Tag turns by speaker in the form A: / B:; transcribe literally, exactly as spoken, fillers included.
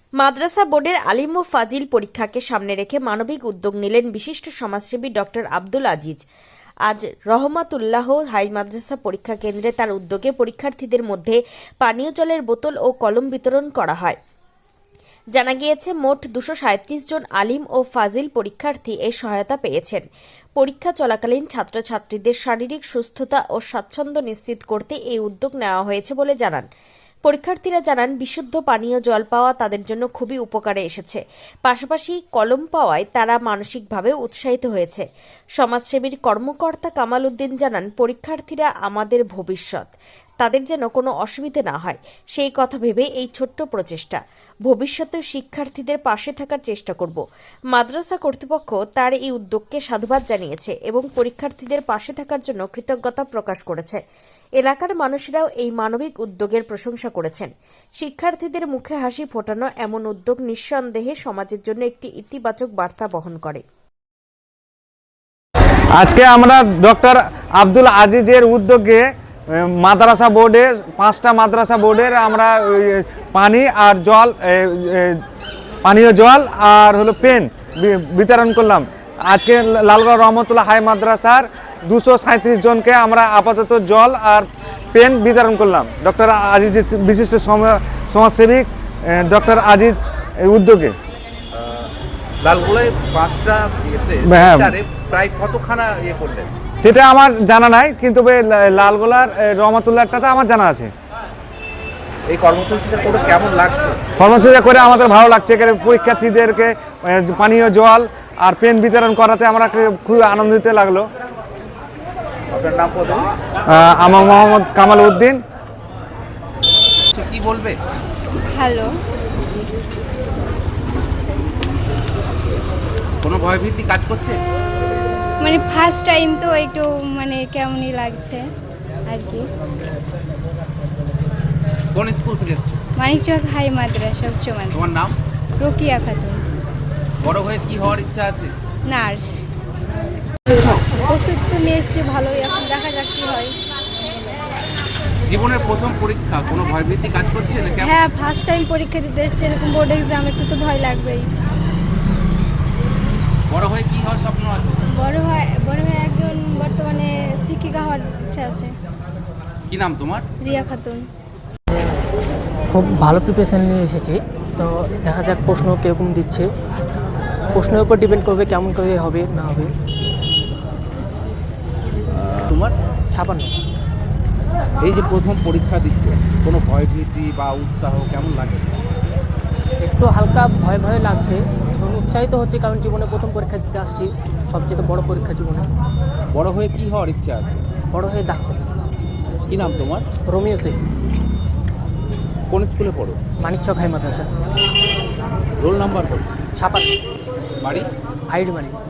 A: মাদ্রাসা বোর্ডের আলিম ও ফাজিল পরীক্ষাকে সামনে রেখে মানবিক উদ্যোগ নিলেন বিশিষ্ট সমাজসেবী ডক্টর আব্দুল আজিজ। আজ রহমাতুল্লাহ হাই মাদ্রাসা পরীক্ষা কেন্দ্রে তার উদ্যোগে পরীক্ষার্থীদের মধ্যে পানীয় জলের বোতল ও কলম বিতরণ করা হয়। জানা গিয়েছে, মোট দুশো সাঁত্রিশ জন আলিম ও ফাজিল পরীক্ষার্থী এই সহায়তা পেয়েছেন। পরীক্ষা চলাকালীন ছাত্রছাত্রীদের শারীরিক সুস্থতা ও স্বাচ্ছন্দ্য নিশ্চিত করতে এই উদ্যোগ নেওয়া হয়েছে বলে জানান পরীক্ষার্থীরা। জানান, বিশুদ্ধ পানীয় জল পাওয়া তাদের জন্য খুবই উপকারে এসেছে। পাশাপাশি কলম পাওয়ায় তারা মানসিকভাবে উৎসাহিত হয়েছে। সমাজসেবীর কর্মকর্তা কামাল উদ্দিন জানান, পরীক্ষার্থীরা আমাদের ভবিষ্যৎ, তাদের যেন কোনো অসুবিধা না হয় সেই কথা ভেবে এই ছোট্ট প্রচেষ্টা। ভবিষ্যতেও শিক্ষার্থীদের পাশে থাকার চেষ্টা করব। মাদ্রাসা কর্তৃপক্ষ তার এই উদ্যোগকে সাধুবাদ জানিয়েছে এবং পরীক্ষার্থীদের পাশে থাকার জন্য কৃতজ্ঞতা প্রকাশ করেছে। এলাকার মানুষেরাও এই মানবিক উদ্যোগের প্রশংসা করেছেন। শিক্ষার্থীদের মুখে হাসি ফোটানো এমন উদ্যোগ নিঃসন্দেহে সমাজের জন্য একটি ইতিবাচক বার্তা বহন করে।
B: আজকে আমরা ডক্টর আব্দুল আজিজের উদ্যোগে মাদ্রাসা বোর্ডে পাঁচটা মাদ্রাসা বোর্ডের আমরা পানি আর জল পানীয় জল আর হলো পেন বিতরণ করলাম। আজকে লালগড় রহমতুল্লাহ হাই মাদ্রাসার দুশো সাঁত্রিশ জনকে আমরা আপাতত জল আর পেন বিতরণ করলাম ডক্টর আজিজ বিশিষ্ট সমাজসেবী ডক্টর আজিজ এই উদ্যোগে।
C: লালগোলায় পাঁচটা প্রায় কতখানা ইয়ে করলেন
B: সেটা আমার জানা নাই, কিন্তু লালগোলার রহমতুল্লাহটাতে আমার জানা আছে।
C: এই কর্মসূচিটা করে কেমন লাগছে?
B: কর্মসূচিটা করে আমাদের ভালো লাগছে। এখানে পরীক্ষার্থীদেরকে পানীয় জল আর পেন বিতরণ করাতে আমরা খুব আনন্দিত লাগলো।
C: আপনার নাম কত?
B: আমার মোহাম্মদ কামাল উদ্দিন।
C: কি বলবে?
D: হ্যালো।
C: কোনো ভয়ভীতি কাজ করছে?
D: মানে ফার্স্ট টাইম তো একটু মানে কেমনই লাগছে আর কি।
C: কোন স্কুল থেকে এসেছো?
D: মানিকচক হাই মাদ্রাসা উচ্চ মাধ্যমিক।
C: তোমার নাম?
D: রোকিয়া খাতুন।
C: বড় হয়ে কি হওয়ার ইচ্ছা আছে?
D: নার্স। ওষুধ তো নিয়ে এসছি ভালোই, এখন দেখা যাক কি হয়।
C: জীবনের প্রথম পরীক্ষা, কোনো ভয়ভীতি কাজ করছে না?
D: হ্যাঁ, ফার্স্ট টাইম পরীক্ষা দিতে এসছি, এরকম বোর্ড এক্সাম, একটু তো ভয় লাগবেই।
C: বড় হয়ে কি হওয়ার স্বপ্ন আছে?
D: বড় হয় বড় হয়ে একজন বর্তমানে শিক্ষিকা হওয়ার ইচ্ছা আছে।
C: কি নাম তোমার?
D: রিয়া খাতুন।
E: খুব ভালো প্রিপারেশন নিয়ে এসেছি, তো দেখা যাক প্রশ্ন কীরকম দিচ্ছে। প্রশ্নের উপর ডিপেন্ড করবে কেমন করে হবে না হবে।
C: তোমার?
E: ছাপান্ন।
C: এই যে প্রথম পরীক্ষা দিচ্ছ, কোনো ভয়ভীতি বা উৎসাহ কেমন লাগছে?
E: একটু হালকা ভয় ভয় লাগছে এবং উৎসাহিত হচ্ছে, কারণ জীবনে প্রথম পরীক্ষা দিতে আসছি, সবচেয়ে বড় পরীক্ষা জীবনে।
C: বড় হয়ে কি হওয়ার ইচ্ছা আছে?
E: বড় হয়ে ডাক্তার।
C: কি নাম তোমার?
E: রোমিও শেখ।
C: কোন স্কুলে পড়ো?
E: Manikchak high Madrasa.
C: Roll number কত?
E: ছাপান্ন।
C: বাড়ি?
E: হাইড বাড়ি।